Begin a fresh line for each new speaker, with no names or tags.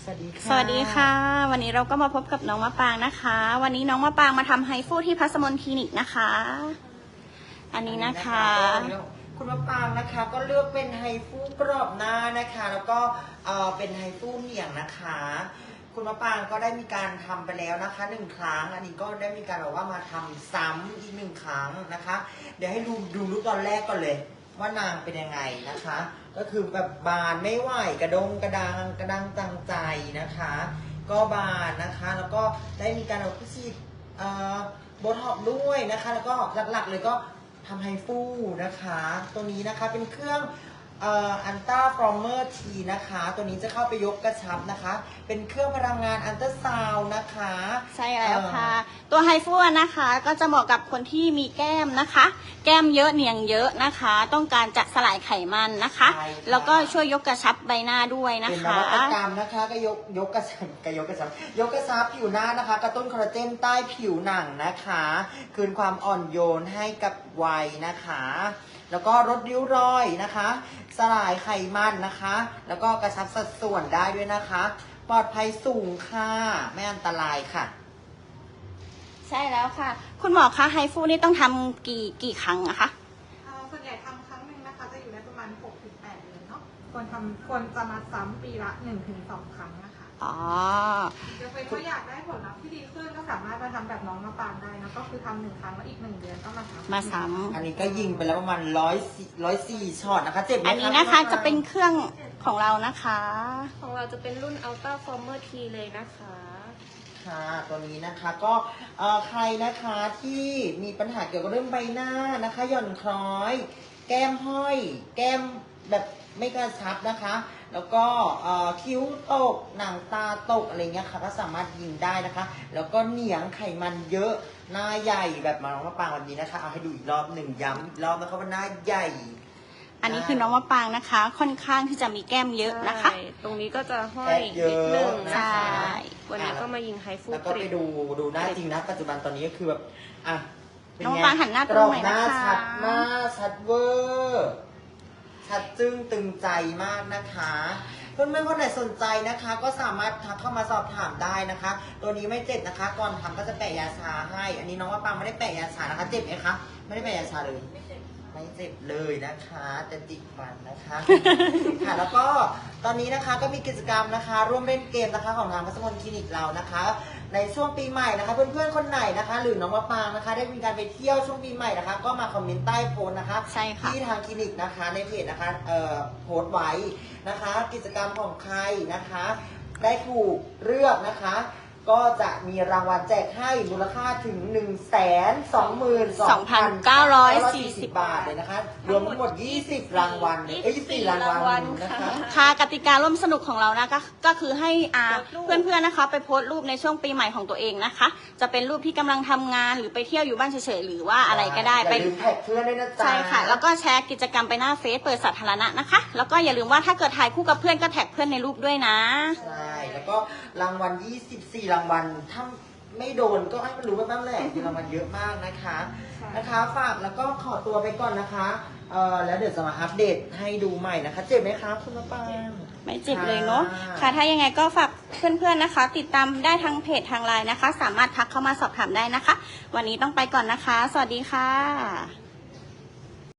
สวัสดีค่ะ
สวัสดีค่ะวันนี้เราก็มาพบกับน้องมะปางนะคะ วันนี้น้องมะปางมาทำไฮฟูที่พัสมนคลินิกนะคะ อันนี้นะคะ
คุณมะปางนะคะก็เลือกเป็นไฮฟูกรอบหน้านะคะ แล้วก็เป็นไฮฟูเหนียงนะคะ คุณมะปางก็ได้มีการทำไปแล้วนะคะ1 ครั้งอันนี้ก็ได้มีการบอกว่ามาทำซ้ำอีก1 ครั้งนะคะ เดี๋ยวให้ดูรูปตอนแรกก่อนเลยว่านางเป็นยังไงนะคะ ก็คือแบบบานไม่ไหวกระดังตังใจนะคะ ก็บานนะคะแล้วก็ได้มีการเอาฉีดโบท็อกซ์ด้วยนะคะ แล้วก็หลักๆเลยก็ทำไฮฟูนะคะตัวนี้นะคะเป็นเครื่องอันต้าฟอร์เมอร์ทีนะคะตัวนี้จะเข้าไปยกกระชับนะคะเป็นเครื่องพลังงานอันเตอร์ซาวนะคะ
ใช่แล้วค่ะตัวไฮฟูนะคะก็จะเหมาะกับคนที่มีแก้มนะคะ แก้มเยอะเนียงเยอะนะคะ ต้องการจะสลายไขมันนะคะแล้วก็ช่วยยกกระชับใบหน้าด้วยนะคะ
เป็นนวัตกรรมนะคะก็ยกกระชับผิวหน้านะคะกระตุ้นคอลลาเจนใต้ผิวหนังนะคะคืนความอ่อนโยนให้กับวัยนะคะแล้วก็ลดริ้วรอยนะคะสลายไขมันนะคะแล้วก็กระชับสัดส่วนได้ด้วยนะคะปลอดภัยสูงค่ะไม่อันตรายค่ะ
ใช่แล้วค่ะคุณหมอคะไฮฟูนี่ต้องทำกี่ครั้งอะคะ
ส่วนใหญ่ทำครั้งหนึ่งนะคะจะอยู่ในประมาณ 6-8 เดือนเนาะควรจะมาซ้ำปีละ 1-2 ครั้งนะคะ
อ๋อ
ถ้าอยากได้ผลลัพธ์ที่ดีขึ้นก็สามารถมาทำแบบน้องมะปางได้นะก็คือทำ1 ครั้งแล้วอีก1 เดือนก็มาซ้
ำอันนี้ก็ยิงไปแล้วประมาณ104ช็อตนะคะเจ็บไหมคะ
อันนี้นะคะจะเป็นเครื่องของเรานะคะ
ของเราจะเป็นรุ่น Ultra Former T เลยนะคะ
ค่ะตัวนี้นะคะก็ใครนะคะที่มีปัญหาเกี่ยวกับเรื่องใบหน้านะคะหย่อนคล้อยแก้มห้อยแก้มแบบไม่กระชับนะคะแล้วก็คิ้วตกหนังตาตกอะไรเงี้ยค่ะก็สามารถยิงได้นะคะแล้วก็เหนียงไขมันเยอะหน้าใหญ่แบบมาน้องมะปางวันนี้นะคะเอาให้ดูอีกรอบหนึ่งย้ำอีกรอบนะคะว่าหน้าใหญ่
อันนี้คือน้องมะปางนะคะค่อนข้างที่จะมีแก้มเยอะนะคะ
ตรงนี้ก็จะห้อยนิดนึงนะคะวันนี้ก็มายิงไฮฟู
แล้วก็ไปดูหน้าจริงนะปัจจุบันตอนนี้ก็คือแบบ
น้องปางหันหน้าตรงไหนนะคะ
ชัดมากชัดเวอร์ชัดจึ้งตึงใจมากนะคะเพื่อนๆคนไหนสนใจนะคะก็สามารถทักเข้ามาสอบถามได้นะคะตัวนี้ไม่เจ็บนะคะก่อนทำก็จะแปะยาชาให้อันนี้น้องมะปางไม่ได้แปะยาชานะคะเจ็บไหมคะไม่ได้แปะยาชาเลยไม่เจ็บเลยนะคะแต่จิกฟันนะคะค่ะแล้วก็ตอนนี้นะคะก็มีกิจกรรมนะคะร่วมเล่นเกมนะคะของทางพัสมนคลินิกเรานะคะในช่วงปีใหม่นะคะเพื่อนๆคนไหนนะคะหรือน้องมะปางนะคะได้มีการไปเที่ยวช่วงปีใหม่นะคะก็มาคอมเมนต์ใต้โพสต์นะคะที่ทางคลินิกนะคะในเพจนะคะโพสต์ไว้นะคะกิจกรรมของใครนะคะได้ถูกเลือกนะคะก็จะมีรางวัลแจกให้มูลค่าถึง 122,940 บาทเลยนะคะรวมทั้งหมด20 รางวัล24 รางวัลนะคะ
ค่ะกติการ่วมสนุกของเรานะก็คือให้เพื่อนๆนะคะไปโพสต์รูปในช่วงปีใหม่ของตัวเองนะคะจะเป็นรูปที่กำลังทำงานหรือไปเที่ยวอยู่บ้านเฉยๆหรือว่าอะไรก็ได้
ไปลืมแท็กเพื่อนด้วยนะจ๊ะ
ใช่ค่ะแล้วก็แชร์กิจกรรมไปหน้าเฟซเปิดสาธารณะนะคะแล้วก็อย่าลืมว่าถ้าเกิดถ่ายคู่กับเพื่อนก็แท็กเพื่อนในรูปด้วยนะ
ใช่แล้วก็รางวัล24 รางวัลถ้าไม่โดนก็ให้มันรู้บ้างแหละมีรางวัลเยอะมากนะคะฝากแล้วก็ขอตัวไปก่อนนะคะแล้วเดี๋ยวจะมาอัปเดตให้ดูใหม่นะคะเจ็บไหมคะคุณมะปาง
ไม่เจ็บเลยเนาะค่ะถ้ายังไงก็ฝากเพื่อนๆนะคะติดตามได้ทางเพจทางไลน์นะคะสามารถทักเข้ามาสอบถามได้นะคะวันนี้ต้องไปก่อนนะคะสวัสดีค่ะ